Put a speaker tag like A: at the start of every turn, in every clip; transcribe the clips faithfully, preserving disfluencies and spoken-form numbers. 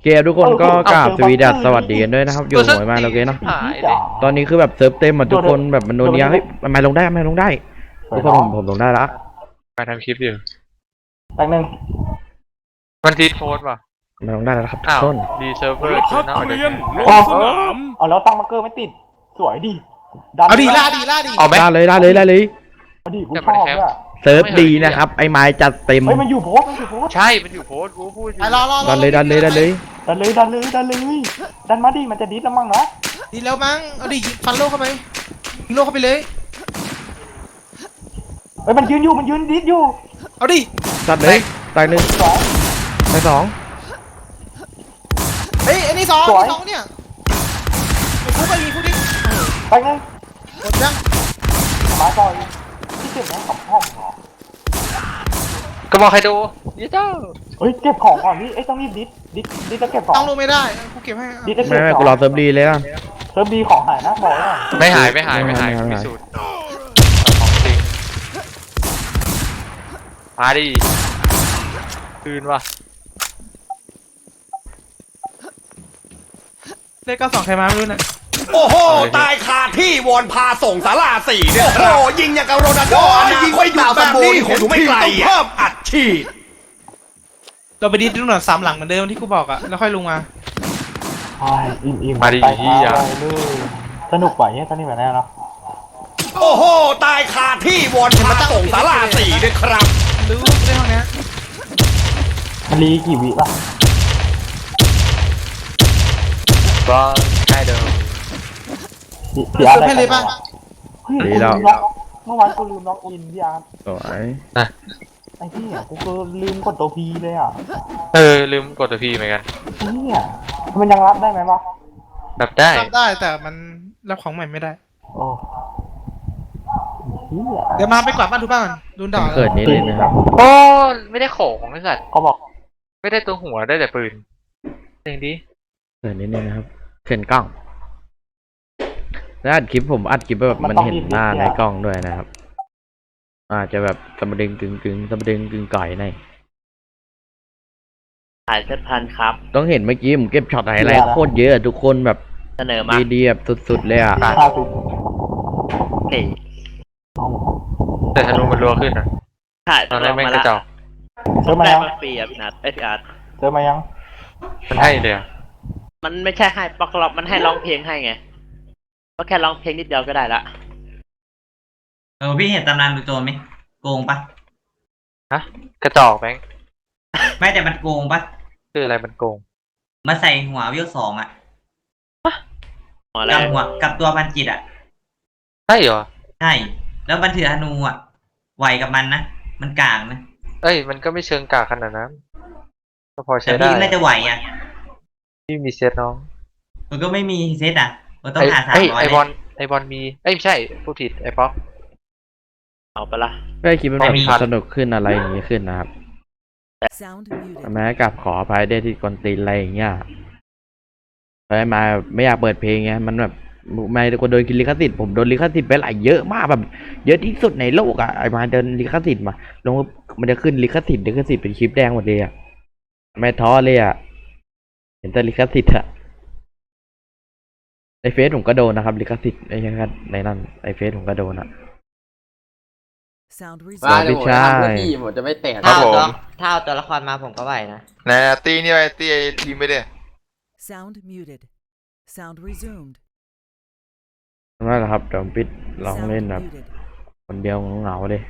A: เกมทุกคนก็กราบสวีดัสสวัสดีกันด้วยนะครับอยู่หวยมาแล้วเกมเนาะ
B: หายเลย
A: ตอนนี้คือแบบเซิร์ฟเต็มหมดทุกคนแบบมันโดนเนี้ยเฮ้ยมันลงได้มันลงได้ทุกคนผมผมลงได้ละ
B: มาทำคลิปอยู่
C: แป๊บนึง
B: มันทีโค้ดป่ะ
A: มันลงได้แล้วครับทุ
B: อ้าก ว
A: คน
B: ดีเซิร์ฟเวอร์
D: พัก
B: น่าเอา
D: เรี
B: เดี๋ย
D: ยน
B: ว
D: ลงสนาม
C: เอาแล้วตั้งมาร์เกอร์ไม่ติดสวยดิดัน
E: เอาดีล่าดีล่าดี
B: เอาไหม
A: ได้เลยได้เลยได้เลย
C: เอาดิกูชอบด้วย
A: เซิร์ฟดีนะครับไอ้ไม้จัดเต็ม
C: เฮ้ยมันอยู่โพสต์มันอยู่โพสต์
B: ใช่มันอยู่โค้ดกูพูดอยู่
E: ไปรอรอรอ
A: ดันเลยดันเลยดันเลย
C: ดันเลยดันเลยดันเลยดันมาดิมันจะดิสแล้วมั้งเนาะ
E: ดีแล้วมั้งเอาดิฟันโลเข้าไปยิงโลเข้าไปเลย
C: เฮ้ยมันยืนอยู่มันยืนดิสอยู่
E: เอาดิ
A: จัดเลยตายหนึ่ง
C: สอง
A: ตายสอง
E: เฮ้ยอันนี้สอง
C: สวย
E: อันนี้สองเนี่ยไอ้ฟุกไปยิงฟุกดิ
C: แป๊บนึง
E: หมดยัง
C: มาต่อยที่เก็บของกับห้องเหรอ
B: ก็บอกใครดูยี่เจ้า
C: เฮ้ยเก็บของก่อนพี่เอ้ยต้องรีบดิสดิสดิสจะเก็บของ
E: ต้องลงไม่ได้กูเก็บให้
C: ดิสจะ
A: ไม่
C: เก็บ
A: ไม่
C: ข
A: กู
C: อง
A: รอเซิร์ฟดีเลยอ่ะ
C: เซิร์ฟดีของหายนะบอกเลย
B: ไม่หายไม่หายไม่หาย
A: ไม่หาย
B: พิสูจน์ของจริงมาดิคืนว่ะ
E: เลขเก้าสองใครมาไม่รู้นะ
D: โอ้โห ตายคาที่วอนพาส่งสาราสี่เนี่ยโอ้โหยิงอย่างกับโรนัลโดยิงไม่หยุดแบบนี้เห็นทีต้องเพิ่มอัดฉีด
E: เราไปดิสตรงหนอนสามหลังเหมือนเดิมที่กูบอกอะแล้วค่อยลงมา
C: ใช่อิ่มอิ่ม
B: มาดิ
C: ไป
B: ที่อ่ะ
C: เลยสนุกกว่าเนี่ยตอนนี้แบบนี้เนาะ
D: โอ้โห ตายคาที่วอนพาส่งสาราสี่เนี่ยครับ
E: รู้ในห้องนี้
C: มันรีกี่วิป่ะ
B: ก็ใช่เดิม
C: พี่อาร์ต
E: เติมให้เลยป่ะ
C: เฮ้ยกูลืมล็อกเมื่อวานกูลืมล็อกอินพี่อาร์ต
A: สวย
C: ไอ้พี่อ่ะกูก็ลืมกดตัวพีเลยอ่ะ
B: เออลืมกดตัวพีเหมือนกัน
C: ไอ้เนี่ยมันยังรับได้ไหมวะ
B: แบบได้
E: รับได้แต่มันรับของใหม่ไม่ได้
C: โอ้เฮีย
E: เดี๋ยวมาไปกวาดบ้านทุกบ้านดูด่า
A: เกิดนี้เลยนะครับ
B: โอ้ไม่ได้ของไอ้สัตว์
C: เขาบอก
B: ไม่ได้ตัวหัวได้แต่ปืนเองดิ
A: เกิดนี้เลยนะครับเขินกล้องแล้วอัดคลิปผมอัดคลิปแบบมันเห็นหน้าในกล้องด้วยนะครับอาจจะแบบสมดึงกึ่งกึ่งสมดึงกึ่งก่อยใน
F: ขายเจ็ดพันครับ
A: ต้องเห็นเมื่อกี้ผมเก็บช็อตอะไรโคตรเยอะทุกคนแบบ
F: เสนอมา
A: ดีๆแบบสุดๆเลยอ่ะ
C: ห้าสิบ
F: เฮ้ย
B: แต่ธนูมันรัวขึ้นนะ
F: ขาย
B: ตอนแรกแม่ง
F: มาก
B: ระจอก
C: เจอมา
F: ได้
C: ยัง
F: มาฟรีอ่ะพี่นัทไอ้ยพี่อาร์ต
C: เจอมายัง
B: มันให้เลยอะ
F: มันไม่ใช่ให้ปอกล็อกมันให้ร้องเพลงให้ไงก็แค่ร้องเพลงนิดเดียวก็ได้ละ
G: เออพี่เห็นตำนานดูโจรไหมโกงปะ
B: ฮะกระจอกแบงค์
G: ไม่แต่มันโกงปะ
B: คืออะไรมันโกง
G: มาใส่หัววิวสองอ่ะ
F: หัวอะไร
G: กับหัวกับตัวพันจิตอ่ะ
B: ใช่เหรอ
G: ใช่แล้วมันถือธนูอ่ะไหวกับมันนะมันกลางนะ
B: เอ้ยมันก็ไม่เชิงกากขนาดนั้นก็พอ
G: แต่
B: ใช้ได้
G: พี่น่าจะไหวอ่ะ
B: พี่มีเซตน้อง
G: มันก็ไม่มีเซตอ่ะมันต้อง
B: ไอ้
G: หาสาม
B: ไอ้
G: ร้อย
B: ไอบอลไอบอลมีเอ้ยไม่ใช่ผู้ผิดไอ้ป๊อก
F: เอาไปละ
A: ก็คลิปมันแบบสนุกขึ้นอะไรอย่างนี้ขึ้นนะครับ
H: Sound muted.
A: แม้กับขออภัยได้ที่กวนตีนอะไรอย่างเงี้ยเพราะมาไม่อยากเปิดเพลงไงมันแบบไม่คนโดนลิขสิทธิ์ผมโดนลิขสิทธิ์ไปหลายเยอะมากแบบ เยอะที่สุดในโลกอ่ะไอ้มาเดินลิขสิทธิ์มาลงมันจะขึ้นลิขสิทธิ์ลิขสิทธิ์เป็นคลิปแดงหมดเลยอ่ะไม่ท้อเลยอ่ะเห็นแต่ลิขสิทธิ์อะในเฟซผมก็โดนนะครับลิขสิทธิ์ไอ้ยังไงในนั้นไอ้เฟซผมก็โดนอ่ะ
H: Sound
A: ว่า
H: resumed.
A: เดี๋ยวผมจะทำเพื่อพี่
I: ผมจะไม่แตก
G: ถ้าเอาตัวถ้าเอาตัวละครมาผมก็ไหวนะ
B: นะตีนี่ไอ้ตีไอ้ทีมไปดิ
H: Sound muted. Sound resumed.
A: นั่นแหละครับเดี๋ยวผมปิดลอง
H: Sound
A: เล่นแบบ
H: muted.
A: คนเดียวเหงาๆเลย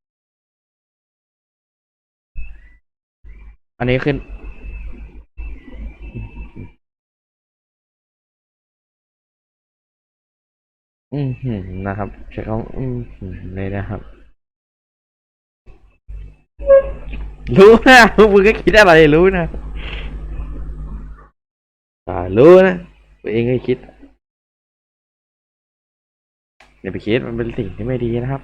A: อันนี้ขึ้น อืมหืมนะครับใช้คำอืมหืมเลยนะครับ รู้นะพวกมึงก็คิดอะไรรู้นะอ่ารู้นะตัวเองก็คิดอย่าไปคิดมันเป็นสิ่งที่ไม่ดีนะครับ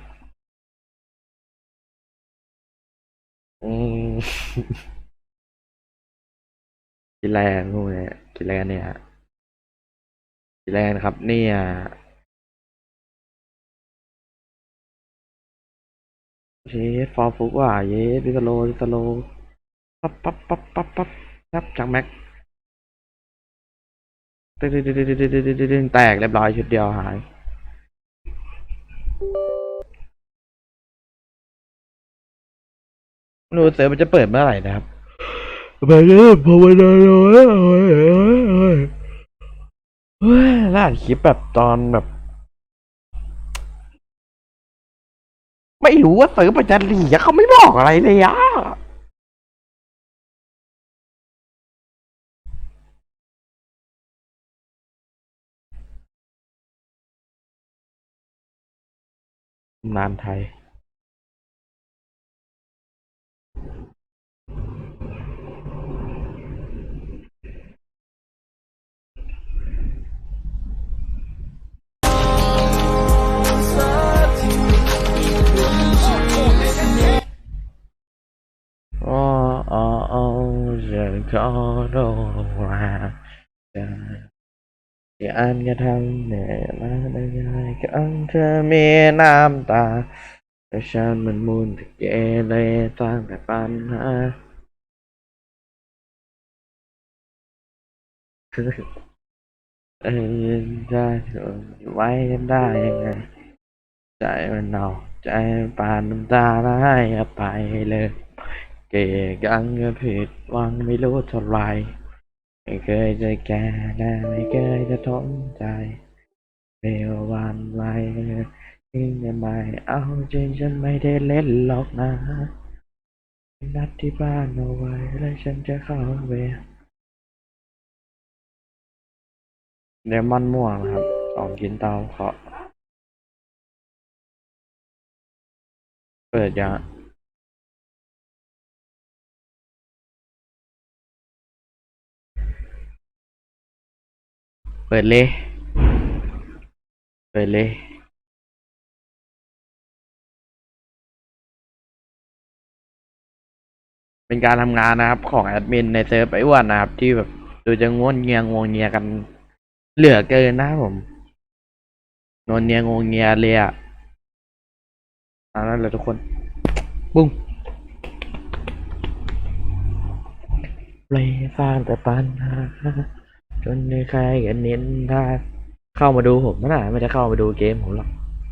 A: อืม กินแรงพวกนี้กินแรงเนี่ยกินแรงครับเนี่ยเยสฟอร์ฟุกว่าเยสดิสโลดิสโลปั๊บปั๊บปั๊บปั๊บปั๊บครับจากแม็กตึ๊ดตึ๊ดตึ๊ดตึ๊ดตึ๊ดตึ๊ดตึ๊ดแตกเรียบร้อยชุดเดียวหายไม่รู้เซิร์ฟมันจะเปิดเมื่อไหร่นะครับไปเริ่มภาวนาเลยเฮ้ยล่าคลิปแบบตอนแบบ ไม่รู้ว่าเซิร์ฟมันจะหลีอะเขาไม่บอกอะไรเลยอะนานไทยอ๋ออ๋ออ๋อจะขอโทษว่าจะที่อันจะทำเหนื่อยมาได้ยังไงก็เธอมีน้ำตาแต่ฉันมันมุนแต่เกเรสร้างแต่ปัญหาเออได้ไว้กันได้ยังไงใจมันเอาใจปานน้ำตาแล้วให้อภัยเลยเกยังก็ผิดหวังไม่รู้เท่าไรไม่เคยจะแก่และไม่เคยจะท้อใจเร็ววันไวยิ่งจะไม่เอาจริงฉันไม่ได้เล่นหรอกนะนัดที่บ้านเอาไว้แล้วฉันจะเข้าเวรเดมอนม่วงนะครับสองกินเตาเคาะเปิดยังเปิดเลยเปิดเลยเป็นการทำงานนะครับของแอดมินในเซิร์ฟไอ้อ้วนนะครับที่แบบดูจะง่วนเงียงวงเงียกันเหลือเกินนะครับผมนวลเนียงงเงียเลยอ่ะเอานั่นเลยทุกคนบุ้งเลยสร้างแต่ปัญหาจนในใครกันเน้นถ้าเข้ามาดูผมนะไม่ได้เข้ามาดูเกมผมหรอก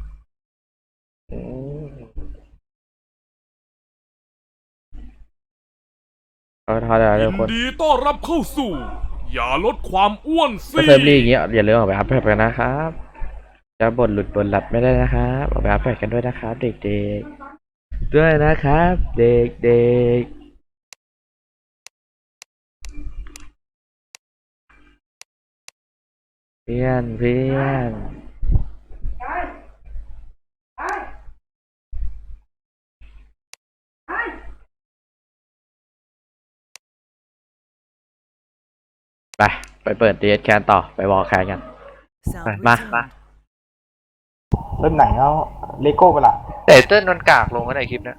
A: เอาทอดเลยทุกคน
I: ยินดีต้อนรับเข้าสู่ อย่าลดความอ้วนสิ
A: ถ้าเซิร์ฟรีอย่างเงี้ยอย่าลืมออกไปอัพแพดกันนะครับจะบ่นหลุดบ่นหลัดไม่ได้นะครับออกไปอัพแพดกันด้วยนะครับเด็กๆด้วยนะครับ เด็กๆเพื่อนเพื่อนไปไปเปิดเดทแคนต่อไปวอลแคนกัน
H: Sound
A: Rồi, ba,
H: resumed.
B: มา
C: เริ่มไหนเอาเลโก้ไปละ
B: แต่เติ้ลมันกากลงกันในคลิปเนี้ย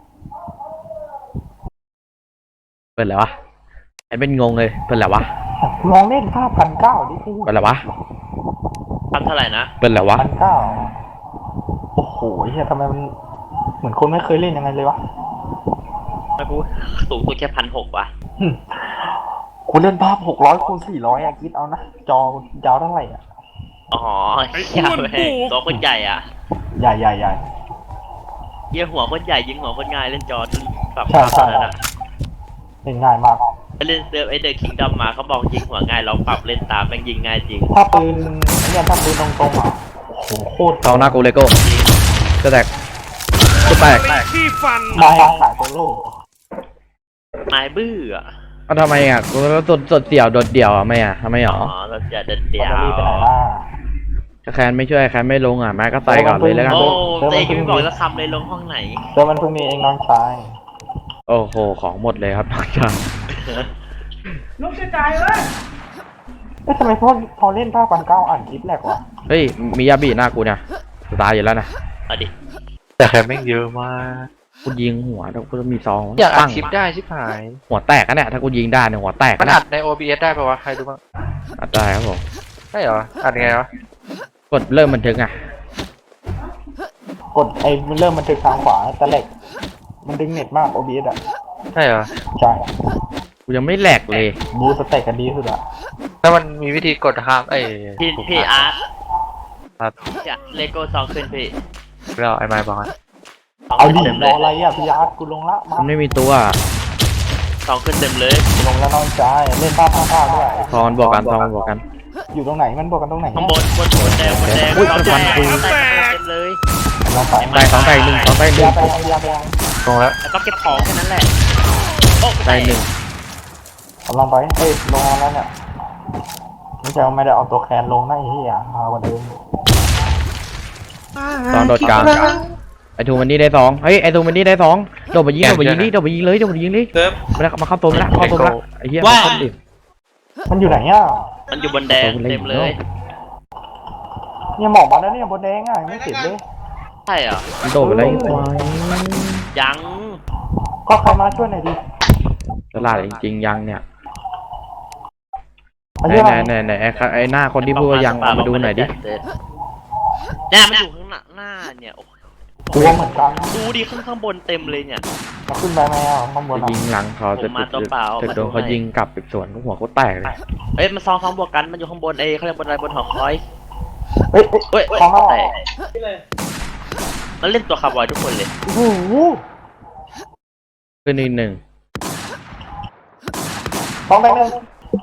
A: เปิดแล้ววะไอ้เป็นงงเลยเปิดแล้ววะ
C: ลองเล่นห้าพันเก้าดิพี่
A: เปิดแล้ววะ
F: พันเท่าไหร่นะ
A: เปิดแล้ววะ
C: พันเก้าโอ้โหเฮียทำไมมันเหมือนคนไม่เคยเล่นยังไงเลยวะ
F: ไม่พูดสูงสุดแค่พันหกว่ะ
C: หึคุณเล่นภาพหกร้อยคูณสี่ร้อยอะคิดเอานะ จอยาวเท่าไหร่อะ
F: อ๋อเหี้ยแม่งตัวคนใหญ่อ่ะ
C: ใหญ่ใหญ่ใหญ่
F: เยี่ยหัวคนใหญ่ยิงหัวคนง่ายเล่นจอปรับ
C: ใช่
F: ภาพ
C: ใช่
F: เท่านั้นอ่ะ
C: เล่นง่ายมาก
F: ไปเล่นเซิร์ฟไอเดอร์คิงดอมมาเขาบอกยิงหัวง่ายลองปรับเล่นตามแม่งยิงง่ายจริง
C: ถ้าปืนเนี่ยถ้าปืนตรงๆอ่ะโอ้โหโคตร
A: เอาหน้ากูเลโก้จะแตกจะแตก
I: ที่ฟัน
C: มาขายโซโล่
F: นายบื้ออ่ะ
A: เอาทำไมอ่ะกูแล้วสดสดเดี่ยวโดดเดี่ยวอ่ะไม่อ่ะทำไมหร
F: อ๋
A: อ
F: อเราจะเด็ดเดี
C: แบ
F: ย
C: ตเตอรี่ไปไหน
F: ว
C: ล่ะ
A: ถ้าแคนไม่ช่วยแคนไม่ลงอ่ะแม่ก็ใส่ก่อนเลยแล้วกัน
F: โอ้เต้ยังไม่บอกสักคำเลยลงห้องไหน
C: เดี๋ยวมันเพิ่งมีเองน้องชาย
A: โอ้โหของหมดเลยครับน้องชาย
C: เอ๊ะทำไมพอพอเล่นภาพพันเก้าอ่านคลิปแหลกวะ
A: เฮ้ยมียาบีหน้ากูเนี่ยจะตายอยู่แล้วนะ
F: เอาดิ
B: แต่แค่แม่งเยอะมาก
A: กูยิงหัวแล้วกูจะมีซอง
B: อยากอัด
A: ปั้ง
B: คลิปได้ชิบหาย
A: หัวแตกกันเนี่ยถ้ากูยิงได้เนี่ยหัวแตก
B: มั
A: กัน น
B: อั
A: เนี่ย
B: ดใน โอ บี เอส ได้ปะวะ ใครรู้บ้าง
A: อัดได้ครับผม
B: ใช่เหรอ อัดยังไงวะ
A: กดเริ่มบันทึกอ่ะ
C: กดไอ้มันเริ่มมันถึงทางขวาแต่เหล็ก มันดึงเน็ตมาก โอ บี เอส อ่ะ
B: ใช่เหรอ
C: ใช่
A: กูยังไม่แหลกเลย
C: บูสเต็กกันดีสุดอะ
B: แล้วมันมีวิธีกดนะครับไอ้
F: พี่
B: ปุ่ม
F: พี่อาร์ต
B: ครับ
F: จะเลโก้สองขึ้นพี่
B: แล้วไอ้ไม้บอกว่า
F: สอง
C: เอา
F: ขึ้น
C: ดิ
F: เต็ม
C: ร
F: เล
C: อย อะไรอะพี่อาร์ตกูลงละมา
A: มันไม่มีตัว
F: สองขึ้นเต็มเลย
C: กูลงแล้วน้องชายเล่นภาพภาพด้วย
A: ทอนบอกกันทอนบอกกัน
C: อยู่ตรงไหนมันบอกกันตรงไหน
F: ข้างบนบนบนแดงบนแดง
A: อุ๊ย
F: สอง
A: ฟั
F: แด
A: น
F: ง
A: กู
F: แตกเต็มเลย
C: ลองไป
A: แตกสองแตกหนึ่งสองแตกห
C: เบี
A: นึ่
C: ย
A: ง
C: ร์ไปเบียร์ไป
B: ตรงแล้ว
F: แล้วก็เก็บของแค่นั้นแหละโอ้
A: แตกหนึ่ง
C: ผมลองไปเอ้ยลงมาแล้วเนี่ยไม่ใช่ว่าไม่ได้เอาตัวแคนลงนะไอ้เหี้ยมากว่าเดิม
A: ตอนโดดกลางไอทูมันนี่ได้สองเฮ้ยไอทูมันนี่ได้สองโดดไปยิงโดดไปยิงดิโดดไปยิงเลยโดดไปยิงเลย
E: เติม
A: มาแล้วมาเข้าตัวมาแล้วเข้าตัวมาแล้วไอ้เหี้ย
E: ว่า
A: เข้าดิ
C: มันอยู่ไหนอ่ะ
F: มันอยู่บนแดงเต็มเลย
C: เนี่ยหมอกมาแล้วเนี่ยบนแดงอ่ะยังไม่ติดเลย
F: ใช่เหรอ
A: มันโดดไปเลยควาย
F: ยัง
C: ก็ใครมาช่วยหน่อยดิ
A: ตลาดจริงๆยังเนี่ย
C: มา
A: ไหน
C: ช่วย
A: ไห
C: ห
A: น
C: น่อย
A: ไหนไหนไอ้ไอ้หน้าคนที่พูดว่ายังเอามาดูหน่อยดิ
F: เนี่ยมันอยู่ข้างหน้าหน้าเนี่ยโอ้โห
C: ตัวเหมือนกัน
F: ดูดิข้างข้างบนเต็มเลยเนี่ย
C: มาขึ้นไปไหมอ่ะข้างบน
A: จะ
C: อ่ะ
A: ยิงหลังเขาจะ
F: ผมมาตัวเปล่า
A: จะโดนเขายิงกลับอีกส่วนก็หัวเขาแตกเลย
F: เอ้ยมันซองซองบวกกันมันอยู่ข้างบนเอ้ยเขาเรียกบนอะไรบนหอคอย
C: เฮ้ยเฮ้ย
F: เฮ้ย
C: ของเรา
F: แตกมันเล่นตัวคาร์บอยทุกคนเลย
C: โอ้โห
A: ขึ้นอีกหนึ่ง
C: สองแตงหนึ่ง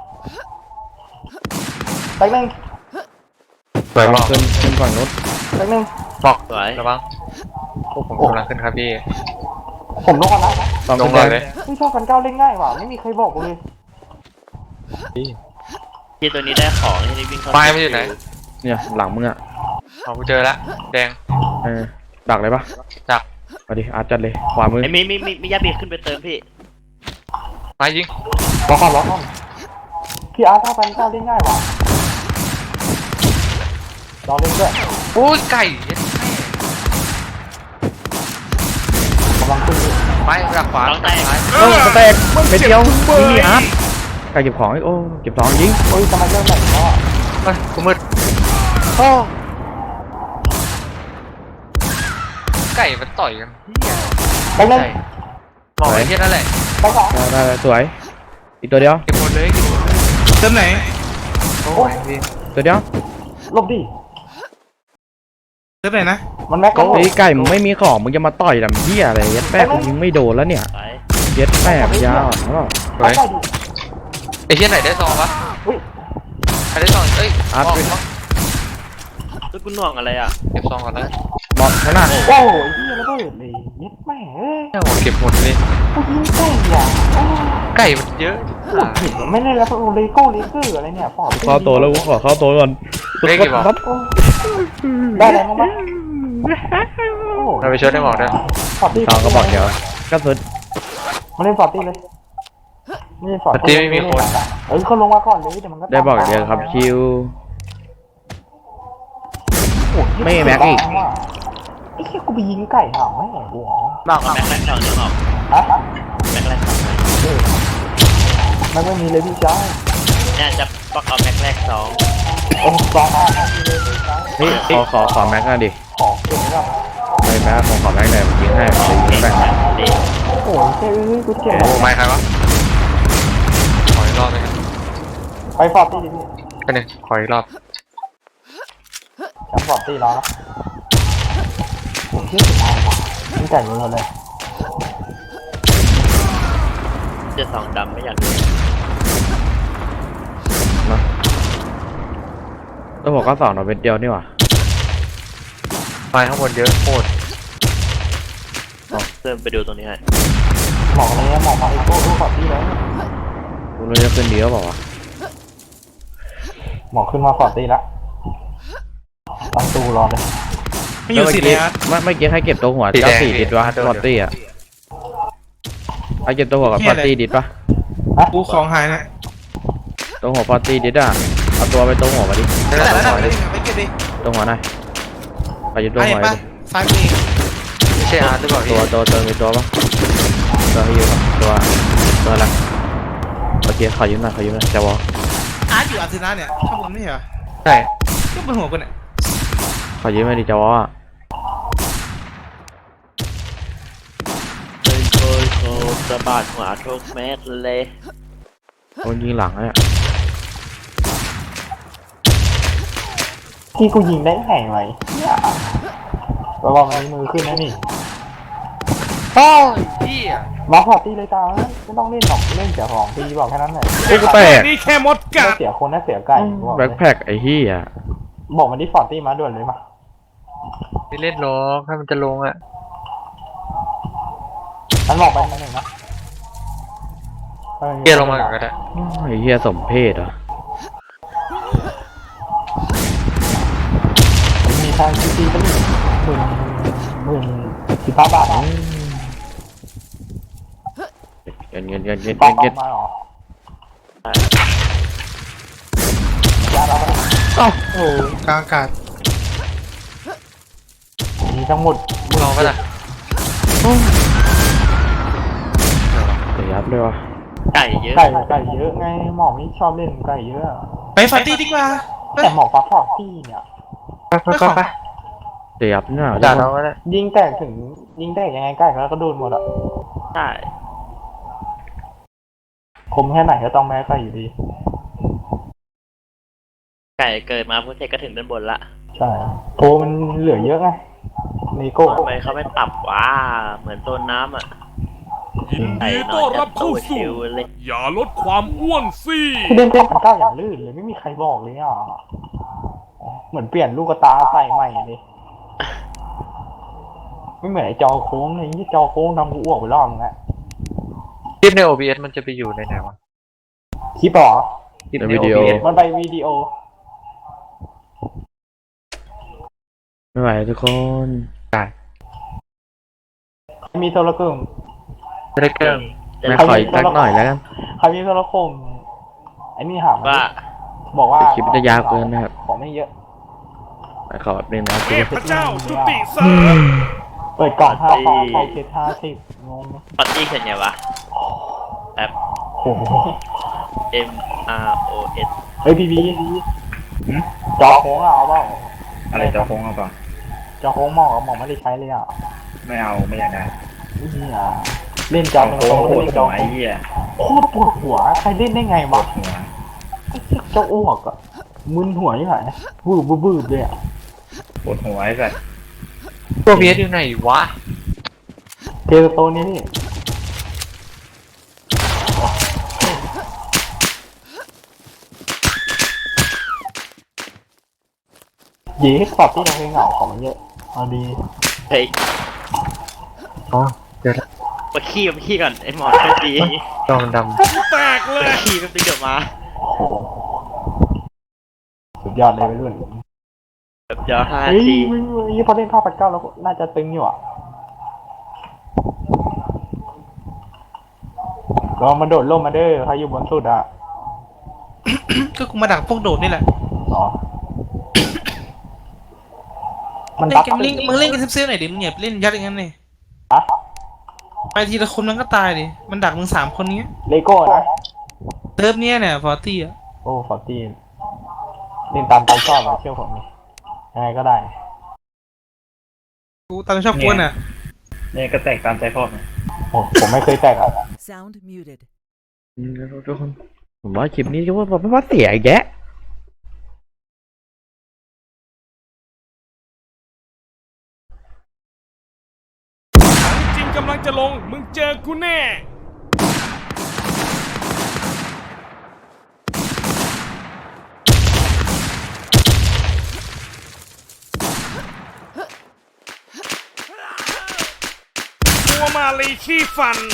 C: แตงหนึ่ง
B: สวยบอก
A: ขึ้นขึ้นฝั่งนู้น
C: แตงหนึ่ง
B: บอก
F: สวย
B: ระวังพวกผมกำลังขึ้นครับพี่
C: ผมลงก่อนนะ
A: ฝั่ง
B: ล
A: ขึ้
B: ง
A: น
B: เล
A: แด
B: ย
A: ง
B: เลย
C: ไม่ชอบกันก้าวเล่นง่ายว่ะไม่มีใครบอกกูเลย
F: ที่ตัวนี้ได้ของที่วิ่งเข้า
B: ไม้ไม่อยู่ไหน
A: เนี่ยหลังมึงอ่ะ
B: เอากูเจอละแดง
A: เออดักเลยปะ
B: ดัก
A: เอาดิอาร์ตจัดเลยขวามือ
F: ไอ้มีมีมีมียาบีขึ้นไปเติมพี่
B: ไม้ยิง
C: รอก่อนรอก่อนพี่อาร์ตชอบกันก้าวเล่นง่ายว่ะรอเล่นด้วย
B: โอ้ยไก่เย็ด
C: กำลังขึ้นอยู่
B: ไม้ดักขวา
F: ลองแตก
B: ซ้าย
A: โอ้สเต็กเม็ดเดียวนี่อาร์ตใครเก็บของอีกโอ้เก็บของยิง
C: เฮ้ยจะมาเริ่มแบบนี้แล้วอ่ะ
B: เฮ้ยกูมืด
C: โอ้
B: ไก่มันต่อยกัน
C: แตงหนึ่ง
B: ไก่มองไอ้เหี้ยนั่นแหละ
C: แตงสอง
A: ได้ได้ได้สวยอีกตัวเดียว
B: เก็บหมดเลยเก็บหมดเลย
E: เติมไหน
B: โอ้ยพี่
A: ตัวเดียว
C: หลบดิ
E: เติมไหนนะ
C: มันแม็ก
A: ไอ้ไก่มึงไม่มีของมึงจะมาต่อยลำเหี้ยอะไรยัดแป้กูยิงไม่โดนแล้วเนี่ย
F: ไป
A: ยัดแป้มยาวอ่ะแล้วก็
B: สวย
C: ได้ดิ
B: ไอ้เหี้ยไหนได้ซองวะ
C: อุ้ย
B: ใครได้ซองเอ้ย
A: อาร์ต
B: มอง
A: ไป
B: มอง
F: แล้วกูหน่วงอะไรอ่ะ
B: เก็บซองก่อนแล้ว
A: บอลข้างหน้า
C: โอ้ยเฮียระเบิดเลยเย็ดแม่เอ้ย
B: เนี่ยหัวเก็บหมดเลย
C: กูยิงไก่อ่ะโอ้
B: ไก่มันเยอะ
C: ปวดหินไม่ได้แล้วเลโก้เลเกอร์อะไรเนี่ยปอบ
A: เข้าตัวแล้วกูขอเข้าตัวก่อน
B: เลขกี่บอก
C: ได้อะไรมั้งมั้ยโอ้
B: เราไปช่วยได้บอกด้วย
C: ฟอร์ตี้
A: สองก็บอกเดี๋ยวก็สุด
C: มาเล่นฟอร์ตี้เลยไม่ใช่ฟอร์
B: ปกติไม่มีคน
C: เอ้ยเขาลงมาก่อนเลยเดี๋ยวมันก็
A: ได้บอกเดียวครับชิว
C: โอ้ย
A: ไม่แม็กอีก
C: ไอ้เหี้ยกูไปยิงไก่ห่าแม่กูเหรอ
F: บอกกับแม็กแรกสองนึงออก
C: ฮะ
F: แม็กแรกสอง
C: มันไม่มีเลยพี่จ้า
F: เนี่ยจะบอกเอาแม็กแรกสอง
C: โอ้สองอ่ะไม่มีเลยพี่จ้า
A: เฮ้ยขอขอขอแม็กหน่อยดิ
C: ขอเก่งมาก
A: ไม่แม็กผมขอแม็กหน่อยผมยิงให้ผมยิ
F: เก่
A: ง
F: ง
A: แม็ก
F: จัดดิ
C: โอ้ยเจ้ยกูเจ็บ
B: โอ้ไม่ใครวะขออีกรอบเลยนะ
C: ไปฟอร์ตี้ดิพี่
B: ไปหนึ่งขออีกรอบ
C: จำฟอร์ตี้แล้วนะโอ้ยที่สุดท้ายว่ะนี่ไก่เยอะเลย
F: เจะสองดำไม่อยากดู
A: นะแล้วผมก็สองหน่อยเป็นเดียวนี่หว่า
B: ไม้ข้างบนเยอะโคตร
F: เติมไปดูตรงนี้ให้
C: หมอกเลยหมอกมาไอ้โก้ดูฟอร์ตี้แล้ว
A: กูรู้จะขึ้นดีก็บอกว่าวะ
C: หมอกขึ้นมาฟอร์ตี้แล้วตั้งตู้รอเลย
E: ไม่อยู่สิเลยอาร์ต
A: เมื่อเมื่อกี้ให้เก็บตัวหัวเจ้าสี่ดิดวะฟอร์ตี้อ่ะให้เก็บตัวหัวกับฟอร์ตี้ดิดปะ
E: กูของหายนะ
A: ตัวหัวฟอร์ตี้ดิดอ่ะเอาตัวไปตัวหัวมาดิ
B: ได้
E: แต่
B: แล้ว
E: ละ
B: ขอ
E: ไป
B: ดิ
E: เก็บดิ
A: ตัวหัวหน่อยไปยึดตัว
E: ไอ้
A: หัว
E: ปะ
A: ดิ
E: ซ้ายมือ
B: ไม่ใช่อาร์ตหรือเปล่าพี่
A: ตัวตัวตัวมีตัวปะตัวให้ยืมปะตัวตัวอะไรโอเคขอยืมหน่อยขอยืมหน่อยจะวอ
E: อาร์ตอยู่อาร์เซนอลเนี่ยข้างบนไม่เหรอ
B: ใช่
E: ก็บนหัวกูเนี่ย
A: ขอยืมหน่อยดิจะวอ
F: เคยเคยโคสะบัดหัวทุกเม็ดเลย
A: โดนยิงหลังเนี่ย
C: ที่กูยิงได้ไงไว้เนี่ยระวังมันมือขึ้นนะนี่
B: โอ้ยพี่อ่ะ
C: มาพอตีเลยตาไม่ต้องเล่นหรอกเล่นเสียของตีบอกแค่นั้นแหละ
A: โอ้กูแตก
I: นี่แค่มดกั
C: ไม่
I: ด
C: เสียคนนะเสียไก่บอกเล
A: แบ็ค
C: ย
A: แพ็คไอ้เหี้ย
C: บอกมันที่ฟอร์ตี้มาด่วนเลยมา
B: ไม่เล่นหรอกถ้ามันจะลงอ่ะ
C: มันบอกไปนิดหนึ่งนะ
B: เกียร์ลงมาก่อนก็ได้
A: ไอ้เหี้ยสมเพศเหรอ
C: มีทางซีซีก็มีหมื่นหมื่นสิบห้าบาทนะ
A: เงินเงินเงินเงิน
C: ปอ
A: เงิน
C: ม
A: เงิน
C: มาหรอยาเราไป
A: เอ้า
C: โอ้
E: กลางอากาศ
C: มีทั้งหมด
B: ลองไปละ
A: เสียยับเลยวะ
F: ไก่เยอะ
C: ไก่ไก่เยอะไงหมอไม่ชอบเล่นไก่เยอะ
E: ไปฟาร์ตี้ดีกว่าไป
C: แต่หมอฟักฟอกตี้เนี่ย
B: ไปไปไปไป
A: เสียยับเนี่ย
B: ด่าเราก็ได้
C: ยิงแตกถึงยิงแตกยังไงไก่แล้วก็โดนหมดอ่ะ
F: ใช่
C: คมแค่ไหนก็ต้องแม้ไก่อยู่ดี
F: ไก่เกิดมาพุทธเทก็ถึงด้านบนละ
C: ใช่โทมันเหลือเยอะไงนีโก้
F: ทำไมเขาไม่ปรับวะเหมือนต้นน้ำอ่ะ
I: ยิน
F: ไก่
I: ดี
F: น
I: ต้
F: อ
I: อน น
F: จะ
I: รับเข้า
F: ตู้
I: สู่
F: ชิวเลย
I: อย่าลดความอ้วนสิ
C: ที่เล่นเล่นพันเก้าอย่างลื่นเลยไม่มีใครบอกเลยอ่ะเหมือนเปลี่ยนลูกตาใส่ใหม่เลยไม่เหมือนไอ้จอโค้งเลยที่จอโค้งทำกูอ้วกไปรอบนึงแล้ว
B: คลิปใน โอ บี เอส มันจะไปอยู่ในไหนวะ
C: คลิปเหรอ
B: คลิป
A: ใน
B: ใน
A: วิดีโอ
B: โอ บี เอส
C: มันไปวิดีโอ
A: ไม่ไหวทุกคน
C: มีโทรคม
B: ไม่ได้เกิน
A: ไม่ขออีกสักหน่อยแล้วกัน
C: ใครมีโทรคมไอ้นี่หามา
F: ว่า
C: บอกว่า
A: คลิปจะยาวเกินนะครับ
C: ของไม่เยอะ
A: ไม่ขอแบบนึงนะ
I: เทพเจ้าจุติเสริม
C: เปิดกล่องห้าฟองฟองเจ็ดห้าสิบงงไหม
F: ปาร์ตี้เขียนไงวะแบบ
C: โอ้โห
F: M R O S
C: เฮ้ยพี่บีจอโค้งอะเอาเปล่า
J: อะไรจอโค้งเอาเปล่า
C: จอโค้งหมอกหมอกไม่ได้ใช้เลยอ่ะ
J: ไม่เอาไม่อยากได้
C: นี่อ่ะเล่นจอ
J: จอ
C: ตรง
J: โค้ง
C: ๆ
J: ปว
C: เล่
J: ด
C: นจ
J: หั
C: อ
J: วไอ้เหี้ย
C: โคตรปวดหัวใครเล่นได้ไง
J: ปว
C: วะ
J: ดหัว
C: เจ้าอ้วกอ่ะมึนหัวนี่ไหนวืบวืบวืบเลยอ่ะ
J: ปวดหัวไอ้สัส
B: โอ บี เอส อยู่ไหนวะ
C: เทสโตนี่นี่เย้ปรับที่เราเพลงเหงาของมันเยอะเอาดี
F: เฮ้ย
B: อ๋อเดี๋ยวละ
F: มาขี้มาขี้ก่อนไอ้หมอไม่ดี
B: จอมันด
I: แตกเลย
F: ขี้ก็ตึงเดี๋ยวมา
C: โอ้โหสุดยอดเลยวัยรุ่น
F: แบบเดี๋ยวห้า
C: เฮ้ย
F: ที
C: มึงนี่พอเล่นภาพปัดเก้าแล้วน่าจะตึงอยู่อ่ะลองมาโดดร่มมาเด้อใครอยู่บนสุดอ่ะ
E: ก็กูมาดักพวกโดดนี่แหละ
C: อ๋อมัน
E: เล่
C: บั
E: น
C: ก
E: กันเล่นมึงเล่นกันเซฟๆหน่อยดิมึงอย่าเล่นยัดอย่างนั้นเลย
C: อะ
E: ไปทีละคนมันก็ตายดิมันดักมึงสามคนเนี้ย
C: เลโก้นะ
E: เติร์ฟเนี้ยเนี่ยฟอร์ตี้อ่ะ
C: โอ้ฟอร์ตี้เล่นตามใจชอบอะเชื่อผมดิยังไงก็ได้
E: กูตามชอบกวนอ่ะ
J: เนี่ยก็แตกตามใจพ่อมัน
C: โอ้ผมไม่เคยแตกอ่ะ
H: Sound muted.
A: อืมแล้วทุกคนผมว่าคลิปนี้ก็ว่าแบบว่าเสียอีกแยะ
I: จริงกำลังจะลง มึงเจอกูแน่ ตัวมาลีขี้ฟัน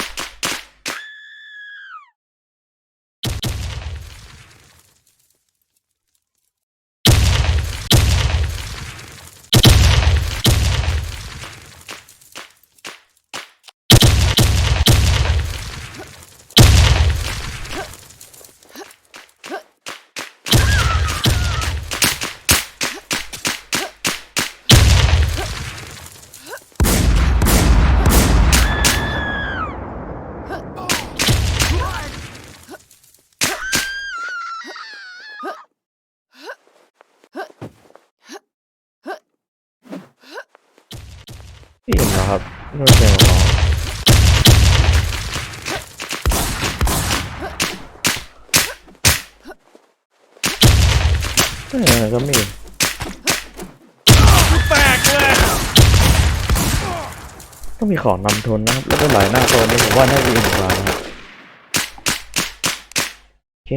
A: พี่เห็นแล้วครับไม่รู้จะมาบอกเออก็มี
I: แตกเลย
A: ก็มีของนำทุนนะครับแล้วก็หลายหน้าตัวนี้ผมว่าน่าจะอิ่มกว่านะครับโอเค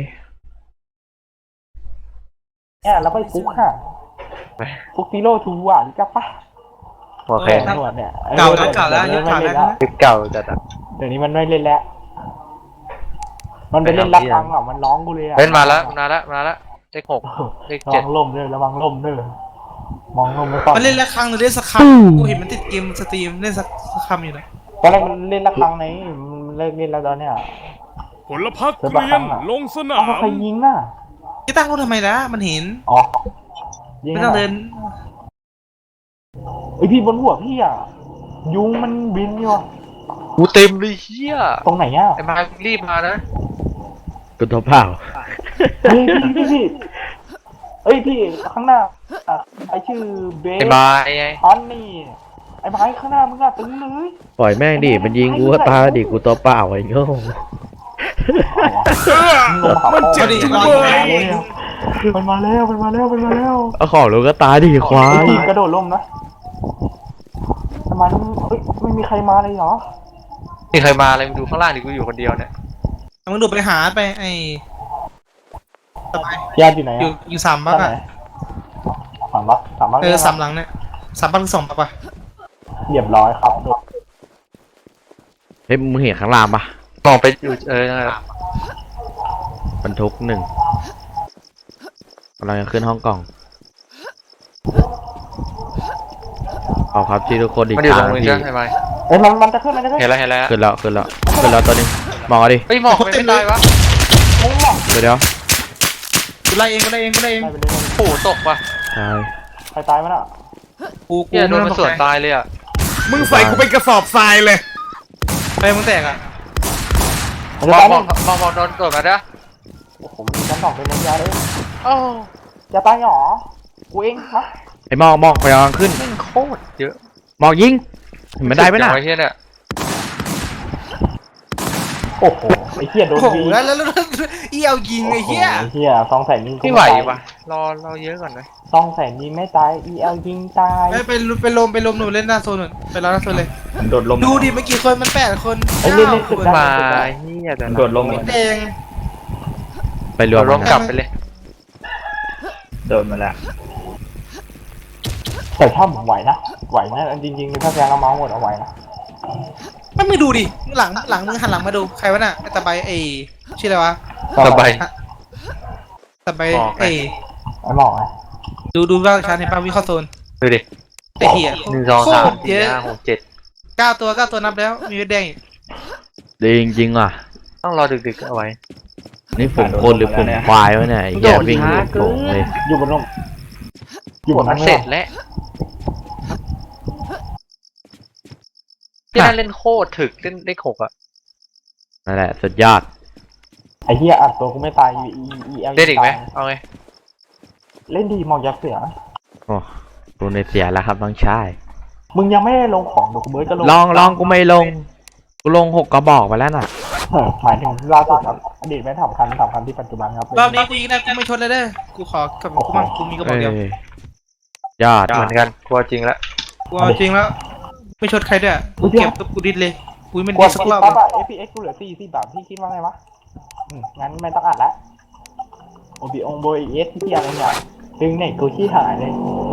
C: เนี่ยแล้วไปฟุกค่ะฟุกซีโร่ทูอ่ะรู้จักปะ
B: โอเค
C: ตำรวจเนี่ย
E: เก่าแล้วเก่าแล้ว
C: เดี๋
E: ยุ
C: ย
E: คว
C: นี้
E: เก่า
C: ไม่
E: แล้ว
C: เล่นแล้ว
B: คลิปเก่าจัดอะ
C: เดี๋ยวนี้มันไม่เล่นแล้ว มันไปเล่นรักฟังอ่ะมันร้องกูเลยอ่ะ
B: เล่นมาแล้วมาแล้วมาแล้วเลขหกเลข
C: ระ
B: เจ็
C: วั
B: ด
C: งล่มด้วยระวังล่มด้วยมองล่มไม่ต้อง
E: มันเล่นละครั้งหรือเล่นสักคำกูเห็นมันติดเกมสตรีมเล่นสักสักคำอยู่นะ
C: ตอนแรกมันเล่นรักฟังไหนมันเลิกเล่นแล้วตอนเนี้ย
I: ผลพักเกรียนลงสนา
C: เอาใคร
I: ม
C: ยิงน่ะ
E: จะตั้งรถทำไมล่ะมันเห็น
C: อ๋อยิง
E: ไม่ต้องเดิน
C: ไอยพี่บนหัวพี่อ่ะยุงมันบินอยู่อะ
B: กูเต็มเลยเฮีย
C: ตรงไหนอ่ะ
B: ไอ้มารีบมานะ
A: กูตัวเปล่า
C: เฮ้ยพี่พี่พี่เอ้ยพี่ข้างหน้าอ่ะไอชื่อเบส
B: ไอ้มาไอ้ไง
C: อันนี่ไอ้ไม้ข้างหน้ามึงอะตึงเลย
A: ปล่อยแม่งดิมันยิงกูก็ตายดิกูตัวเปล่าไอ้โง่
C: มันเจ็บจังเลยมันมาแล้วมันมาแล้วมันมาแล้ว
A: เอาของลูกก็ตายดิควา
C: ไอ้
A: ย
C: ทีมกระโดดล่มนะทำไมมันเฮ้ยไม่มีใครมาเลยเหรอ
B: นี่เคยมาอะไรมึงดูข้างล่างดิกูอยู่คนเดียวเนี่ย
E: มึงดูไปหาไปไอ้สบาย
C: ญาติอยู่ไหน
E: อยู่
C: อะ
E: อยู่สามบักอ่ะ
C: สามบักสามบัก
E: เออสามหลังเนี่ยสามบักหรือสองบักปะ
C: เรียบร้อยครับโดด
A: เฮ้ยมึงเห็นข้างล่างปะ
B: มองไปอยู่เออนั่นแหละ
A: บรรทุกหนึ่งกำลังจะขึ้นห้องกล่องขอบครับที่ทุกคนอีก
B: มันอยู่
A: ค
B: ตร
A: รั้
B: ง
A: ง
B: มึง
A: ที่
B: ใช่ไหม
C: เอ้ยมันมันจะขึ้นมันจะขึ้น
B: เห็นแล้วเห็นแล้ว
A: ขึ้นแล้วขึ้นแล้วขึ้นแล้วตัวนี้มองเอาดิ
B: เฮ้ยหมอกไม่เป็นไรวะ
C: มุ้งหมอก
A: เดี๋ยวเดี๋ยว
E: กูไล่เองกูไล่เองกูไล่เอง
C: ไปไปเลย
B: โอ้โหตกว่ะ
A: ตาย
C: ใครตายมันอ่ะ
E: กูกู
B: เฮียโดนมัน
E: ไต้
B: ส
E: อง
B: วน
E: ตกใจ
B: ตายเลยอ่ะ
I: มึงใส่กูเป็นกระสอบทรายเลย
E: ไปมึงแตกอ่ะ
C: มัน
B: ม
C: จะ
B: อง
C: ตาย
B: ม
C: ไหม
B: องมองมองโดนโดนมาเด้อ
C: โอ้โหมันชั้นสองเป็นน้ำยาเลย
B: โอ้
C: จะตายหรอกูเองมะ
A: ไอ้มองมองไปกำลังขึ้น
B: แม่งโคตรเยอะ
A: มองยิงเห็นมันได้ไหมน่ะ
B: ไอ้เฮียเนี่ย
C: โอ้โหไอ้เหี้ยโดน
E: โอ้โห
C: บี
E: แล้วแล้วแล้วเอี้ยวยิงไอ้เหี้ย
C: ไอ้เหี้ยสองแสนยิงกู
B: ไม่ไหว
C: ตายว
B: ะรอรอเยอะก่อนนะ
C: สองแสนยิงไม่ตาย อี แอล ยิงตาย
E: ไปไปไปลมไปลมหนูเล่นหน้าโซนหนูไปรอหน้าโซนเลย
J: มันโดดลม
E: ดูดิเมื่อกี้คนมันแปดคน
C: ไอ้เล่นเล่น
E: ค
C: สุด
E: น
C: ได้
B: มาเฮียแต่
J: มัน
B: ละ
J: โดดลม
E: แดง
A: ไปรวม
B: รวม
A: กัน
B: กลับไปเลย
J: โดดมาแล้ว
C: แต่ถ้าผมไหวนะ ไหวนะจริงๆถ้าแซงเอาเมาส์หมดเอาไหวนะ
E: ไม่ไม่ดูดิหลังหลังมึงหันหลังมาดูใครวะน่ะไอ้ตะไบไอ้ชื่ออะไรวะ
B: สบาย
E: ตะไบ
B: บอกไง
E: ไอ้
C: ไอ้หมอกไง
E: ดูดูบ้างชันเห็นป่ะวิเข้าโซน
B: ดูดิ
E: ไอ้เหี้ย
B: หนึ่งสองสาม
E: โคตร
B: สี่
E: เยอะ
B: ห้าหกเจ็ด
E: เก้าตัวเก้าตัวนับแล้วมีเวทแดงอีก
A: ดีจริงๆว่ะ
B: ต้องรอดึกๆเอาไว้
A: นี่ผมคนหรือผมควายวะเนี่ยไอ้แย่วิ่งหลุดโป่งเลย
C: อยู่บนร่มอยู่บน
B: มั
C: นั้น น
B: เส
C: ไม่
B: ร็จ
C: ได้
B: แล้วที่นั่นเล่นโคตรถึกเล่นเลขหกอ่ะ
A: นั่นแหละสุดยอด
C: ไอ้เหี้ยอัดตัวกูไม่ตาย อี อี แอล
B: เล่นอีกไหมเอาไง
C: เล่นดีหมอกยักษ์เสือ
A: โอ้กูในเสียแล้วครับน้องชาย
C: มึงยังไม่ได้ลงของเดี๋ยวกูเบิร์ดจะลง
A: ลองลองกูไม่ลง กูลงหกกระบอกไปแล้วน่ะ
C: เออหมายถึงล่าสุดครับอดีตไม่สำคัญสำคัญที่ปัจจุบันครับ
E: รอบนี้กูยิงได้กูไม่ชนเลยเด้อกูขอกับกูมั่งกูมีกระบ
A: เอ
E: อกเดียว
A: ยอด
B: เหมือนกันกลัวจริงแล้ว
E: กูเอาจริงแล้วไม่ชนใครด้วยกูเก็บตัวกูดิดเลยกูไม่
C: กลั
E: ดิ
C: ว
E: ดสัก
C: คิด
E: รอบ
C: ปั๊บอะ เอฟ พี เอ็กซ์ กูเหลือสี่สิบบาทพี่คิดว่าไงวะอืมงั้นไม่ต้องอัดละโอบีองโบเอสที่เพียงเนี่ยดึงไหนกูขี้หายเลย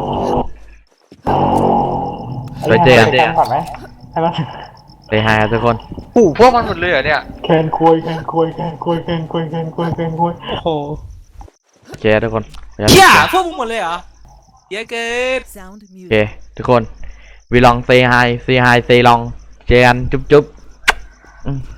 A: ไปเจอกัน
C: ให้มันก่อนไหมให้มัน
A: ไปหาทุกคน
B: โอ้พวกมันหมดเลยเหรอเนี่ย
C: แคนคุยแคนคุยแคนคุยแคนคุยแคนคุยแคนคุย
E: โอ้โห
A: โอเคทุกคน
E: เหี้ยพวกมึงหมดเลยเหรอเยอะเกิน
H: Sound
A: โอเค
H: muted.
A: ทุกคนวีลองเซฮายเซฮายเซลองเจอกันจุ๊บจุ๊บอืม